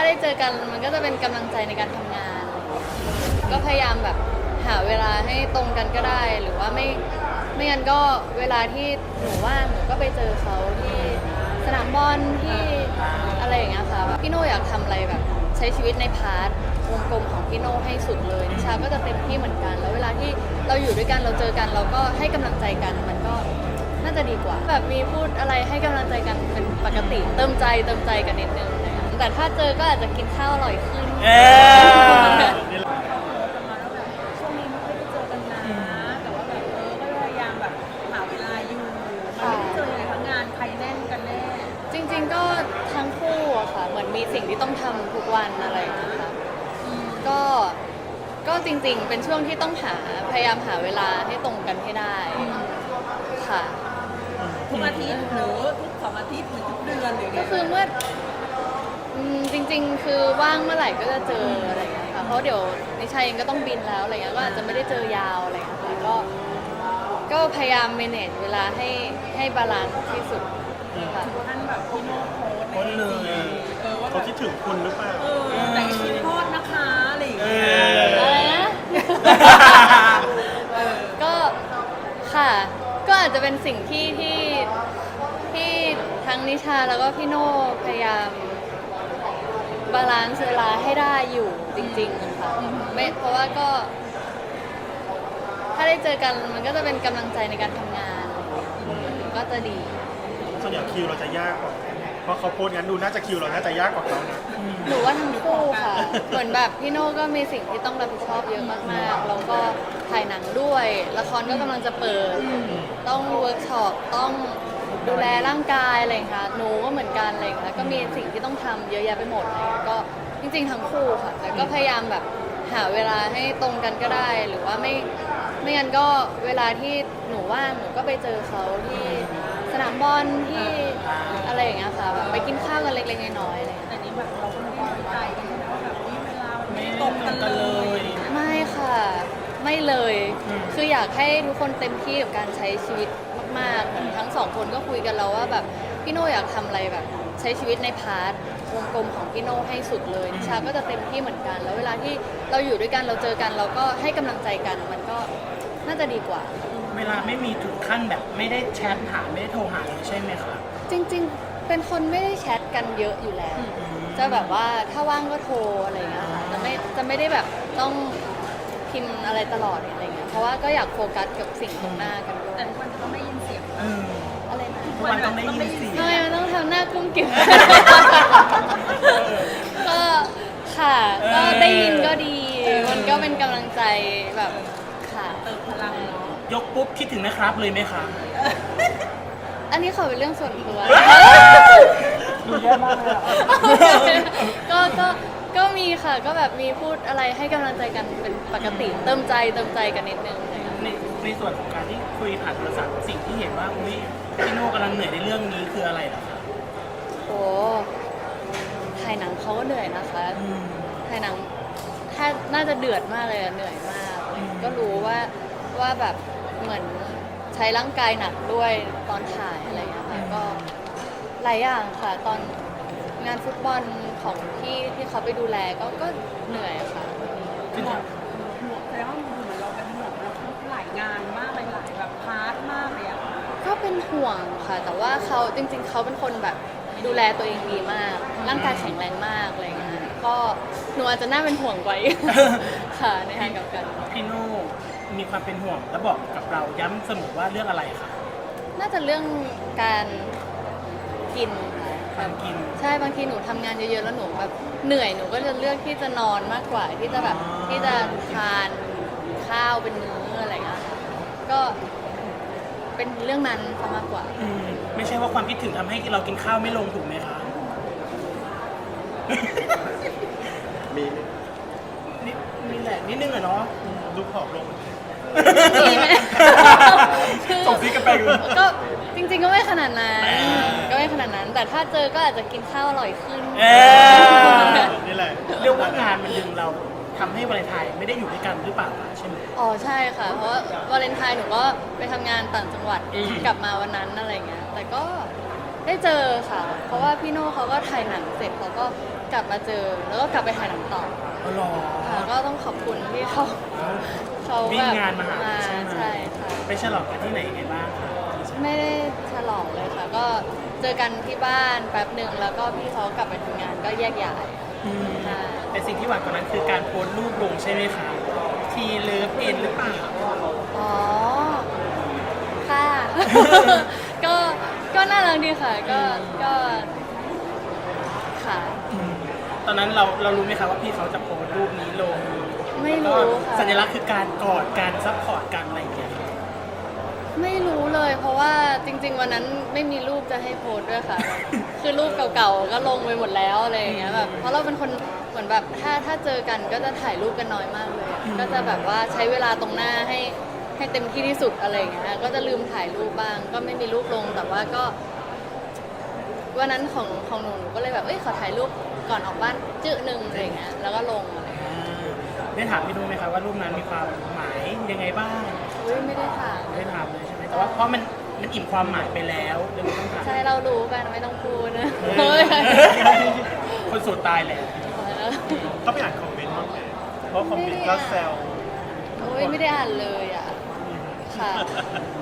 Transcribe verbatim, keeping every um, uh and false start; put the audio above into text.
ได้เจอกันมันก็จะเป็นกำลังใจในการทำงาน ก็พยายามแบบหาเวลาให้ตรงกันก็ได้ หรือว่าไม่ไม่งั้นก็เวลาที่หนูว่างหนูก็ไปเจอเขาที่สนามบอลที่อะไรอย่างเงี้ยค่ะพี่โน่อยากทำอะไรแบบใช้ชีวิตในพาร์ทวงกลมของพี่โน่ให้สุดเลยนิชาก็จะเต็มที่เหมือนกัน แล้วเวลาที่เราอยู่ด้วยกันเราเจอกันเราก็ให้กำลังใจกันมันก็น่าจะดีกว่าแบบมีพูดอะไรให้กำลังใจกันเป็นปกติเติมใจเติมใจกันนิดนึงนะคะแต่ถ้าเจอก็อาจจะกินข้าวอร่อยขึ้นช่วงนี้ไม่ค่อยได้เจอกันนะแต่ว่าแบบเออก็พยายามแบบหาเวลาอยู่มันไม่ได้เจอเลยทั้งงานใครแน่นกันแน่จริงๆก็ทั้งคู่อะค่ะเหมือนมีสิ่งที่ต้องทำทุกวันอะไรอย่างเงี้ยค่ะก็ก็จริงๆเป็นช่วงที่ต้องหาพยายามหาเวลาให้ตรงกันให้ได้ค่ะทุกอาทิตย์หรือทุกสองอาทิตย์หรือทุกเดือนหรือก็คือเมื่ออืมจริงๆคือว่างเมื่อไหร่ก็จะเจออะไรอย่างเงี้ยค่ะเพราะเดี๋ยวนิชัยเองก็ต้องบินแล้วอะไรเงี้ยก็อาจจะไม่ได้เจอยาวอะไรอย่างเงี้ยค่ะก็ก็พยายาม manage เวลาให้ให้บาลานซ์ที่สุดค่ะท่านแบบพี่โน้ตโพสต์คนเลยเขาคิดถึงคุณหรือเปล่าแต่คิดทอดนะคะอะไรอย่างเงี้ยอะไรนะก็ค่ะก็อาจจะเป็นสิ่งที่ที่ที่ทั้งนิชาแล้วก็พี่โน่พยายามบาลานซ์เวลาให้ได้อยู่จริงๆค่ะไม่เพราะว่าก็ถ้าได้เจอกันมันก็จะเป็นกำลังใจในการทำงานก็จะดีส่วนใหญ่คิวเราจะยากกว่าเพราะเขาโพสงั้นดูน่าจะคิวเราน่าจะยากกว่าเขานะหนูว่าทั้งคู่ค่ะเหมือนแบบพี่โน่ก็มีสิ่งที่ต้องรับผิดชอบเยอะมากๆแล้วก็ถ่ายหนังด้วยละครก็กำลังจะเปิดต้องเวิร์กช็อปต้องดูแลร่างกายอะไรอย่างเงี้ยหนูก็เหมือนกันอะไรอย่างเงี้ยก็มีสิ่งที่ต้องทำเยอะแยะไปหมดเลยก็จริงๆทั้งคู่ค่ะแต่ก็พยายามแบบหาเวลาให้ตรงกันก็ได้หรือว่าไม่ไม่งั้นก็เวลาที่หนูว่างหนูก็ไปเจอเขาที่สนามบอลที่อะไรอย่างเงี้ยค่ะแบบไปกินข้าวกันเล็กๆน้อยๆอะไรแต่นี้แบบเราก็ไม่ได้ใจกันนะว่าแบบเวลาไม่ตรงกันเลยไม่ค่ะไม่เลยคืออยากให้ทุกคนเต็มที่กับการใช้ชีวิตมากๆทั้งสองคนก็คุยกันแล้วว่าแบบพี่โน่อยากทำอะไรแบบใช้ชีวิตในพาร์ทวงกลมของพี่โน่ให้สุดเลยนิชาก็จะเต็มที่เหมือนกันแล้วเวลาที่เราอยู่ด้วยกันเราเจอกันเราก็ให้กำลังใจกันมันก็น่าจะดีกว่าเวลาไม่มีถึงขั้นแบบไม่ได้แชทหาไม่ได้โทรหาเลยใช่ไหมคะจริงๆเป็นคนไม่ได้แชทกันเยอะอยู่แล้วจะแบบว่าถ้าว่างก็โทรอะไรอย่างเงี้ยค่ะจะไม่จะไม่ได้แบบต้องพิมพ์อะไรตลอดอะไรเงี้ยเพราะว่าก็อยากโฟกัสกับสิ่งตรงหน้ากันด้วยแต่ทุกวันก็ไม่ยินเสียงอะไรนะทุกวันต้องได้ยินเสียงทำไมมันต้องทำหน้ากุ้งกิ่มก็ค่ะก็ได้ยินก็ดีมันก็เป็นกำลังใจแบบค่ะเติมพลังเนาะยกปุ๊บคิดถึงนะครับเลยไหมคะอันนี้ขอเป็นเรื่องส่วนตัวดูแย่มากเลยก็ก็ก็มีค่ะก็แบบมีพูดอะไรให้กำลังใจกันเป็นปกติเติมใจเติมใจกันนิดนึงในในส่วนของการที่คุยผ่านโทรศัพท์สิ่งที่เห็นว่าอุ้ยพี่โน่กำลังเหนื่อยในเรื่องนี้คืออะไรเหรอคะโอ้ถ่ายหนังเขาก็เหนื่อยนะคะถ่ายหนังถ้าน่าจะเดือดมากเลยเหนื่อยมากก็รู้ว่าว่าแบบเหมือนใช้ร่างกายหนักด้วยตอนถ่ายอะไรอย่างเงี้ยค่ะก็หลายอย่างค่ะตอนงานฟุตบอลของที่ที่เขาไปดูแลก็ก็เหนื่อยค่ะคือห่วงห่วงแต่ว่าเหมือนเราเป็นห่วงเราทั้งหลายงานมากหลายแบบพาร์ทมากเลยอะก็เป็นห่วงค่ะแต่ว่าเขาจริงๆเขาเป็นคนแบบดูแลตัวเองดีมากร่างกายแข็งแรงมากอะไรเงี้ยก็หนูอาจจะน่าเป็นห่วงกว่าค่ะในทางกับกันพี่โน่มีความเป็นห่วงและบอกกับเราย้ำเสมอว่าเรื่องอะไรคะน่าจะเรื่องการกินการกินใช่บางทีหนูทำงานเยอะๆแล้วหนูแบบเหนื่อยหนูก็จะเลือกที่จะนอนมากกว่าที่จะแบบที่จะทานข้าวเป็นมื้ออะไรเงี้ยก็เป็นเรื่องนั้นซะมากกว่าไม่ใช่ว่าความคิดถึงทำให้เรากินข้าวไม่ลงถูกไหมคะมีนิดมีแหละนิดนึงอะเนาะดูผอมลงมีไหมส่งซีกันไปก็จริงๆก็ไม่ขนาดนั้นก็ไม่ขนาดนั้นแต่ถ้าเจอก็อาจจะกินข้าวอร่อยขึ้นนี่แหละเรียกว่างานมันดึงเราทำให้วาเลนไทน์ไม่ได้อยู่ด้วยกันหรือเปล่าใช่ไหมอ๋อใช่ค่ะเพราะวาเลนไทน์หนูก็ไปทำงานต่างจังหวัดกลับมาวันนั้นอะไรเงี้ยแต่ก็ได้เจอค่ะ เพราะว่าพี่โน่เขาก็ถ่ายหนังเสร็จเขาก็กลับมาเจอ แล้วก็กลับไปถ่ายหนังต่ออ๋อเหรอค่ะก็ต้องขอบคุณที่เขาเขาวิ่แบงบงานมาหามาใช่ไหมใช่ค่ะไปฉลองกันที่ไหนยังไงบ้างคะไม่ได้ฉลองเลยค่ะ ก็เจอกันที่บ้านแป๊บหนึ่งแล้วก็พี่เขากลับไปทำงานก็แยกย้ายอืมใช่แต่สิ่งที่หวานกว่านั้นคือการโพสต์รูปลงใช่ไหมคะทีเลิฟเอ็นหรือเปล่าอ๋อ ค่ะ ก็ก็น่ารักดีค่ะ ก็ก็ค่ะตอนนั้นเราเรารู้ไหมคะว่าพี่เขาจะโพสต์รูปนี้ลงไม่รู้แล้วก็ค่ะสัญลักษณ์คือการกอดการซัพพอร์ตกันอะไรอย่างเงี้ยค่ะไม่รู้เลย เพราะว่าจริง ๆ วันนั้นไม่มีรูปจะให้โพสต์ด้วยค่ะ คือรูปเก่าๆก็ลงไปหมดแล้วอะไรอย่างเงี้ยแบบเพราะเราเป็นคนเหมือนแบบถ้าถ้าเจอกันก็จะถ่ายรูปกันน้อยมากเลยอะก็จะแบบว่าใช้เวลาตรงหน้าให้ให้เต็มที่ที่สุดอะไรอย่างเงี้ยก็จะลืมถ่ายรูปบ้าง ก็ไม่มีรูปลงแต่ว่าก็ วันนั้นของของหนูหนูก็เลยแบบเอ้ยขอถ่ายรูปก่อนออกบ้านจื้อหนึ่งอะไรอย่างเงี้ยแล้วก็ลงอะไรอย่างเงี้ยได้ถามพี่ดูไหมคะว่ารูปนั้นมีความหมายยังไงบ้างอุ้ยไม่ได้ถามไม่ได้ถามเลยใช่ไหมแต่ว่าเพราะมันมันอิ่มความหมายไปแล้วเดี๋ยวไม่ต้องถามใช่เรารู้กันไม่ต้องพูดนะเอเฮ้อย คนสูตรตายแหละก็ไปอ่านคอมเมนต์บ้างไหมเพราะคอมเมนต์ก็แซวโอ้ยไม่ได้อ่านเลยอ่ะ ค่ะ